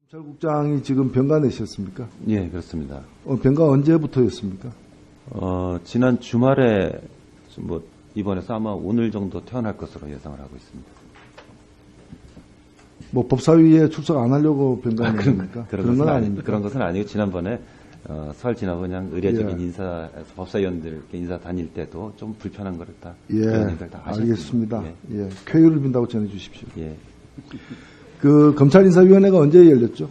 검찰국장이 지금 병가내셨습니까? 예, 그렇습니다. 병가 언제부터였습니까? 지난 주말에 뭐 입원해서 아마 오늘 정도 퇴원할 것으로 예상을 하고 있습니다. 뭐 법사위에 출석 안 하려고 병가내십니까? 그런 건 아닙니다. 그런 것은 아니고 지난번에 설 지나고 그냥 의례적인 예. 인사 법사위원들께 인사 다닐 때도 좀 불편한 거를 다 예, 의원님들 다 하셨습니다. 알겠습니다. 예. 예, 쾌유를 빈다고 전해주십시오. 예. 그 검찰인사위원회가 언제 열렸죠?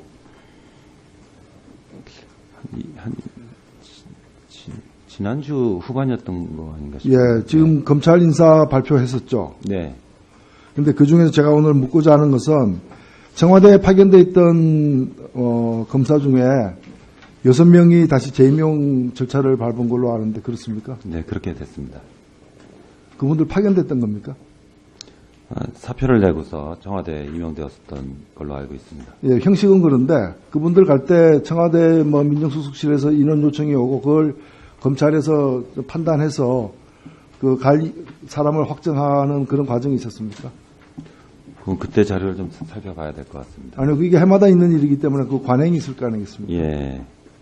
지난주 후반이었던 거 아닌가 싶습니다. 예, 지금 검찰인사 발표했었죠. 네. 근데 그 중에서 제가 오늘 묻고자 하는 것은 청와대에 파견돼 있던 검사 중에 6명이 다시 재임용 절차를 밟은 걸로 아는데 그렇습니까? 네, 그렇게 됐습니다. 그분들 파견됐던 겁니까? 사표를 내고서 청와대에 임용되었던 걸로 알고 있습니다. 예, 형식은 그런데 그분들 갈 때 청와대 민정수석실에서 인원 요청이 오고 그걸 검찰에서 판단해서 그 갈 사람을 확정하는 그런 과정이 있었습니까? 그럼 그때 자료를 좀 살펴봐야 될 것 같습니다. 아니요, 이게 해마다 있는 일이기 때문에 그 관행이 있을 거 아니겠습니까? 예.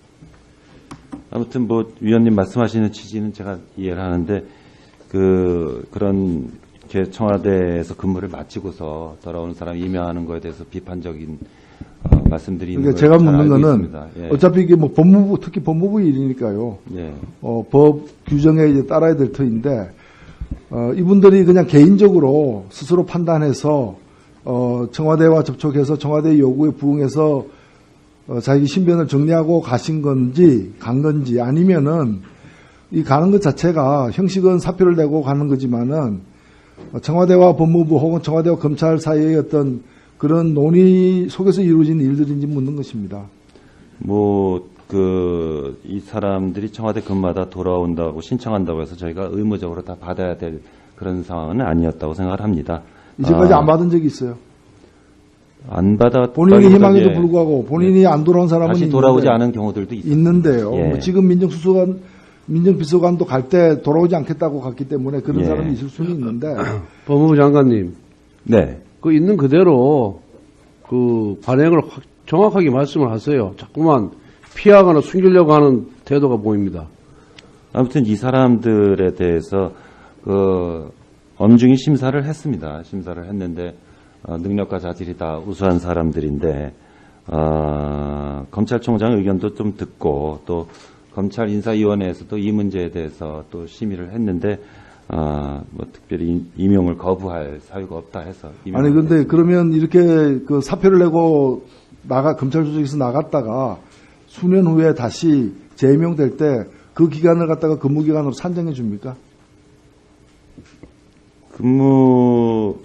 아무튼 뭐 위원님 말씀하시는 취지는 제가 이해를 하는데 그런 청와대에서 근무를 마치고서 돌아오는 사람 임명하는 거에 대해서 비판적인 말씀들이 있는 그러니까 제가 묻는 거는 있습니다. 예. 어차피 이게 뭐 법무부 특히 법무부 일이니까요. 예. 법 규정에 이제 따라야 될 터인데 이분들이 그냥 개인적으로 스스로 판단해서 청와대와 접촉해서 청와대 요구에 부응해서 자기 신변을 정리하고 가신 건지 간 건지 아니면은 이 가는 것 자체가 형식은 사표를 내고 가는 거지만은 청와대와 법무부 혹은 청와대와 검찰 사이의 어떤 그런 논의 속에서 이루어진 일들인지 묻는 것입니다. 이 사람들이 청와대 근무하다 돌아온다고 신청한다고 해서 저희가 의무적으로 다 받아야 될 그런 상황은 아니었다고 생각을 합니다. 이제까지 안 받은 적이 있어요. 안 받아 본인이 희망에도 불구하고 본인이 안 돌아온 사람은 다시 돌아오지 않은 경우들도 있는데요. 예. 뭐 지금 민정비서관도 갈 때 돌아오지 않겠다고 갔기 때문에 그런 예. 사람이 있을 수는 있는데. 법무부 장관님, 네. 그 있는 그대로 그 관행을 정확하게 말씀을 하세요. 자꾸만 피하거나 숨기려고 하는 태도가 보입니다. 아무튼 이 사람들에 대해서 엄중히 심사를 했습니다. 심사를 했는데 능력과 자질이 다 우수한 사람들인데 검찰총장 의견도 좀 듣고 또 검찰인사위원회에서도 이 문제에 대해서 또 심의를 했는데 특별히 임용을 거부할 사유가 없다 해서 아니 근데 그러면 이렇게 그 사표를 내고 검찰 조직에서 나갔다가 수년 후에 다시 재임용될 때 그 기간을 갖다가 근무 기간으로 산정해 줍니까? 근무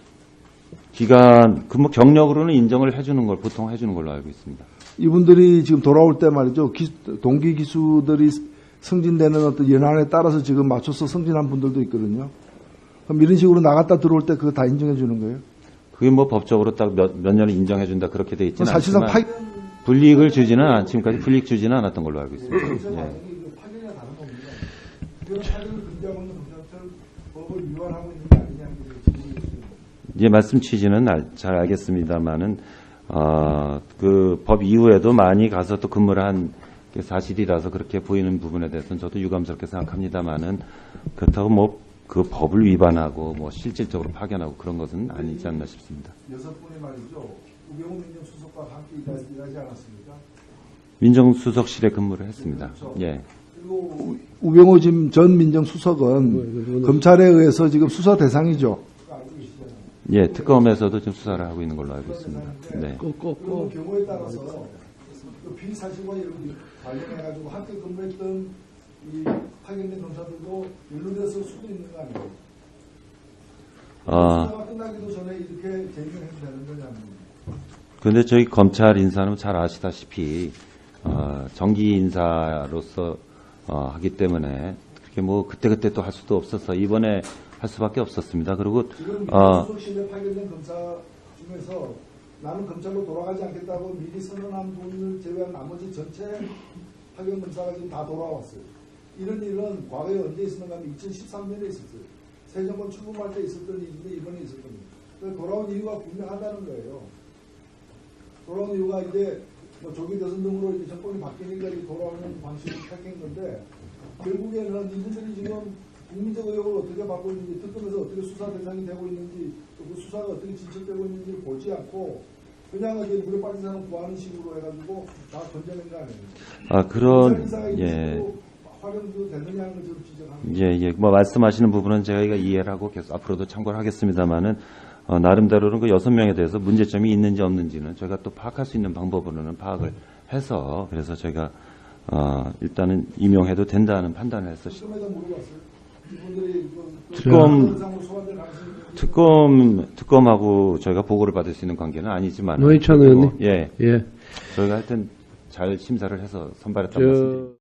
경력으로는 인정을 해주는 걸 보통 해주는 걸로 알고 있습니다. 이분들이 지금 돌아올 때 말이죠. 동기 기수들이 승진되는 어떤 연한에 따라서 지금 맞춰서 승진한 분들도 있거든요. 그럼 이런 식으로 나갔다 들어올 때 그거 다 인정해 주는 거예요? 그게 뭐 법적으로 딱 몇 년을 인정해 준다 그렇게 돼 있지는 사실상 않지만 불이익을 주지는 지금까지 불이익 주지는 않았던 걸로 알고 있습니다. 예. 파견이나 다른 겁니다. 이런 파견을 금지하고 있는 법을 위반하고 있는 게 아니냐는 이제 말씀 취지는 잘 알겠습니다만은 그 법 이후에도 많이 가서 또 근무를 한 게 사실이라서 그렇게 보이는 부분에 대해서는 저도 유감스럽게 생각합니다만은 그렇다고 뭐 그 법을 위반하고 뭐 실질적으로 파견하고 그런 것은 아니지 않나 싶습니다. 6분이 말이죠. 우병우 민정수석과 함께 일하지 않았습니까? 민정수석실에 근무를 했습니다. 그렇죠. 예. 그리고 우병우 전 민정수석은 검찰에 의해서 지금 수사 대상이죠. 예, 특검에서도 지금 수사를 하고 있는 걸로 알고 있습니다. 네. 그 경우에 따라서 그 비사실과 관련해가지고 함께 근무했던 이 파견된 검사들도 연루됐을 수도 있는 거 아니에요? 수사가 끝나기도 전에 이렇게 재임용해도 되는 거냐는. 그런데 저희 검찰 인사는 잘 아시다시피 정기 인사로서 하기 때문에 그렇게 뭐 그때 또 할 수도 없어서 이번에 할 수밖에 없었습니다. 그리고 지금 민정수석실에 파견된 검사 중에서 나는 검찰로 돌아가지 않겠다고 미리 선언한 분을 제외한 나머지 전체 파견 검사가 지금 다 돌아왔어요. 이런 일은 과거에 언제 있었는가 하면 2013년에 있었어요. 새 정권 출범할 때 있었던 일인데 이번에 있었던 일. 돌아온 이유가 분명하다는 거예요. 돌아온 이유가 이제 뭐 조기 대선 등으로 이제 정권이 바뀌니까 이제 돌아오는 방식을 택한 건데 결국에는 이분들이 지금 국민적 의혹을 어떻게 받고 있는지, 특검에서 어떻게 수사 대상이 되고 있는지, 또 그 수사가 어떻게 진척되고 있는지를 보지 않고 그냥 이제 물에 빠진 사람 구하는 식으로 해가지고 다 건져낸 거 아니에요? 아, 그런, 인사가 예. 활용도 되느냐 하는 걸 좀 지적합니다. 예, 예. 뭐 말씀하시는 부분은 저희가 이해를 하고 계속 앞으로도 참고를 하겠습니다만은 나름대로는 그 6명에 대해서 문제점이 있는지 없는지는 저희가 또 파악할 수 있는 방법으로는 파악을 해서 그래서 저희가 일단은 임용해도 된다는 판단을 해서 특검에다 물어봤어요. 이분들이 특검하고 저희가 보고를 받을 수 있는 관계는 아니지만 노회찬 의원님. 예, 예. 저희가 하여튼 잘 심사를 해서 선발했다고 저- 말씀드립니다.